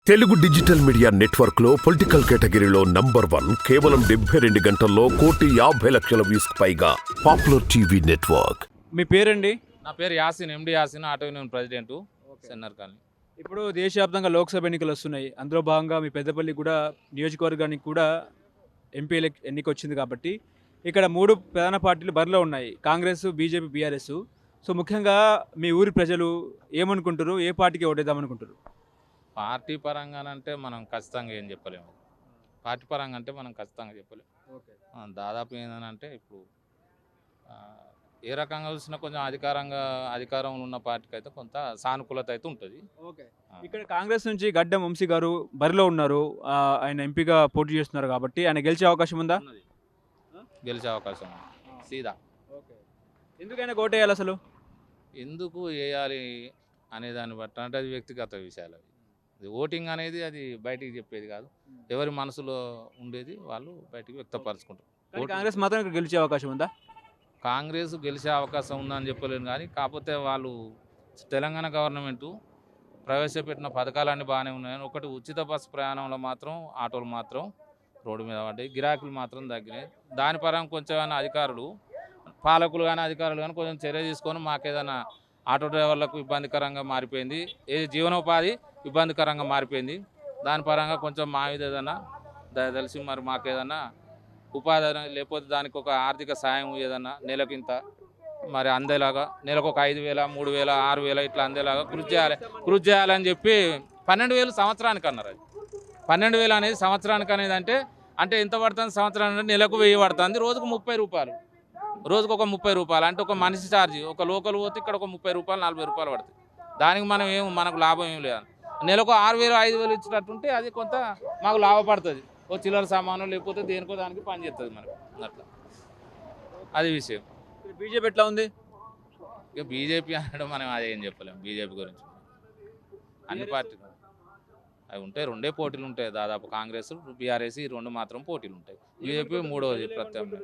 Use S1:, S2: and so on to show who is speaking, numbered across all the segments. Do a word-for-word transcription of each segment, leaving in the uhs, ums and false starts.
S1: Telugu digital media network లో political కేటగిరీలో number one కేవలం డెబ్బై రెండు గంటల్లో కోటి యాభై లక్షల వ్యూస్ పైగా పాపులర్ టీవీ నెట్వర్క్.
S2: మీ పేరండి?
S3: నా పేరు Yasin, MD Yasin, auto union president, సెన్నర్ కాలనీ.
S2: ఇప్పుడు దేశవ్యాప్తంగా లోక్సభ ఎన్నికలు వస్తున్నాయి. అందులో భాగంగా మీ పెద్దపల్లి కూడా నియోజకవర్గానికి కూడా ఎంపీ ఎలక్ ఎన్నిక వచ్చింది కాబట్టి ఇక్కడ మూడు ప్రధాన పార్టీలు బరిలో ఉన్నాయి, కాంగ్రెస్, బీజేపీ, బీఆర్ఎస్. సో ముఖ్యంగా మీ ఊరి ప్రజలు ఏమనుకుంటారు, ఏ పార్టీకి ఓటేద్దామనుకుంటారు?
S3: పార్టీ పరంగా అంటే మనం ఖచ్చితంగా ఏం చెప్పలేము. పార్టీ పరంగా అంటే మనం ఖచ్చితంగా చెప్పలేము. ఆ, దాదాపు ఏంటంటే ఇప్పుడు ఆ, ఏ రకంగా చూసినా కొంచెం అధికారంగా అధికారంలో ఉన్న పార్టీకి అయితే కొంత సానుకూలత అయితే ఉంటుంది.
S2: ఓకే. ఇక్కడ కాంగ్రెస్ నుంచి గడ్డం వంశీ గారు బరిలో ఉన్నారు. ఆ, ఆయన ఎంపీగా పోటీ చేస్తున్నారు కాబట్టి ఆయన గెలిచే అవకాశం ఉందా?
S3: ఉన్నది, గెలిచే అవకాశం ఉంది. సీదా
S2: ఓకే. ఎందుకైనా ఓటేయాలి అసలు?
S3: ఎందుకు వేయాలి అనే దాన్ని బట్టి అంటే అది వ్యక్తిగత విషయాలు. అవి అది ఓటింగ్ అనేది అది బయటికి చెప్పేది కాదు, ఎవరి మనసులో ఉండేది వాళ్ళు బయటికి వ్యక్తపరచుకుంటారు.
S2: కానీ కాంగ్రెస్ మాత్రం ఇక్కడ గెలిచే అవకాశం ఉందా?
S3: కాంగ్రెస్ గెలిచే అవకాశం ఉందని చెప్పలేను, కానీ కాకపోతే వాళ్ళు తెలంగాణ గవర్నమెంటు ప్రవేశపెట్టిన పథకాలన్నీ బాగానే ఉన్నాయని, ఒకటి ఉచిత బస్సు ప్రయాణంలో మాత్రం ఆటోలు మాత్రం రోడ్డు మీద పడ్డాయి, గిరాకులు మాత్రం తగ్గినాయి. దాని పరంగా కొంచెం ఏమైనా అధికారులు, పాలకులు కానీ అధికారులు కానీ కొంచెం చర్య తీసుకొని మాకేదైనా ఆటో డ్రైవర్లకు ఇబ్బందికరంగా మారిపోయింది, ఏ జీవనోపాధి ఇబ్బందికరంగా మారిపోయింది. దాని పరంగా కొంచెం మా మీద ఏదైనా తెలిసి మరి మాకు ఏదైనా ఉపాధి లేకపోతే దానికి ఒక ఆర్థిక సాయం ఏదన్నా నెలకింత మరి అందేలాగా, నెలకు ఒక ఐదు వేల మూడు వేల ఆరు వేల ఇట్లా అందేలాగా కృషి చేయాలి కృషి చేయాలని చెప్పి పన్నెండు వేలు సంవత్సరానికి అన్నారు. అది పన్నెండు వేలు అనేది సంవత్సరానికి అనేది అంటే అంటే ఎంత పడుతుంది సంవత్సరానికి? నెలకు వెయ్యి పడుతుంది, రోజుకు ముప్పై రూపాయలు, రోజుకు ఒక ముప్పై రూపాయలు అంటే ఒక మనిషి ఛార్జీ. ఒక లోకల్ పోతే ఇక్కడ ఒక ముప్పై రూపాయలు నలభై రూపాయలు పడుతుంది. దానికి మనం ఏం మనకు లాభం ఏం లేదు. నెలకు ఆరు వేలు ఐదు వేలు ఇచ్చినట్టుంటే అది కొంత మాకు లాభపడుతుంది, ఓ చిల్లర సామాను లేకపోతే దేనికో దానికి పని చేస్తుంది మనకు. అట్లా అది విషయం.
S2: బీజేపీ ఎట్లా ఉంది?
S3: ఇక బీజేపీ అనడం మనం అదేం చెప్పలేము. బీజేపీ గురించి అన్ని పార్టీలు అవి ఉంటాయి, రెండే పోటీలు ఉంటాయి దాదాపు, కాంగ్రెస్ బీఆర్ఎస్ ఈ రెండు మాత్రం పోటీలు ఉంటాయి. బీజేపీ మూడవది ప్రత్యామ్నాయం.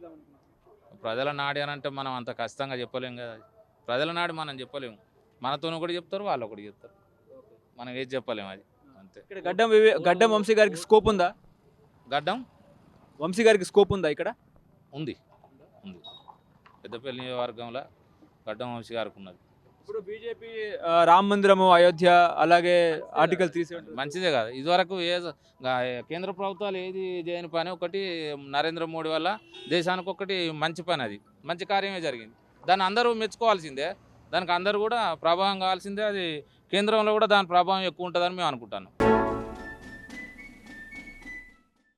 S3: ప్రజల నాడి అని అంటే మనం అంత ఖచ్చితంగా చెప్పలేము కదా. ప్రజల నాడి మనం చెప్పలేము, మనతోనూ కూడా చెప్తారు, వాళ్ళు ఒకటి చెప్తారు, మనం ఏది చెప్పలేము. అది అంతే.
S2: ఇక్కడ గడ్డం వివే- గడ్డం వంశీ గారికి స్కోప్ ఉందా?
S3: గడ్డం
S2: వంశీ గారికి స్కోప్ ఉందా ఇక్కడ?
S3: ఉంది ఉంది పెద్దపల్లి నియోజకవర్గంలో గడ్డం వంశీ గారికి ఉన్నది.
S2: ఇప్పుడు బీజేపీ రామ మందిరము, అయోధ్య, అలాగే ఆర్టికల్ త్రీ సెవెంటీ
S3: మంచిదే కదా. ఇదివరకు ఏ గా- కేంద్ర ప్రభుత్వాలు ఏది చేయని పని ఒకటి నరేంద్ర మోడీ వల్ల దేశానికి ఒకటి మంచి పని, అది మంచి కార్యమే జరిగింది. దాన్ని అందరూ మెచ్చుకోవాల్సిందే, దానికి అందరూ కూడా ప్రభావం కావాల్సిందే. అది కేంద్రంలో కూడా దాని ప్రభావం ఎక్కువ ఉంటుందని మేము అనుకుంటాను.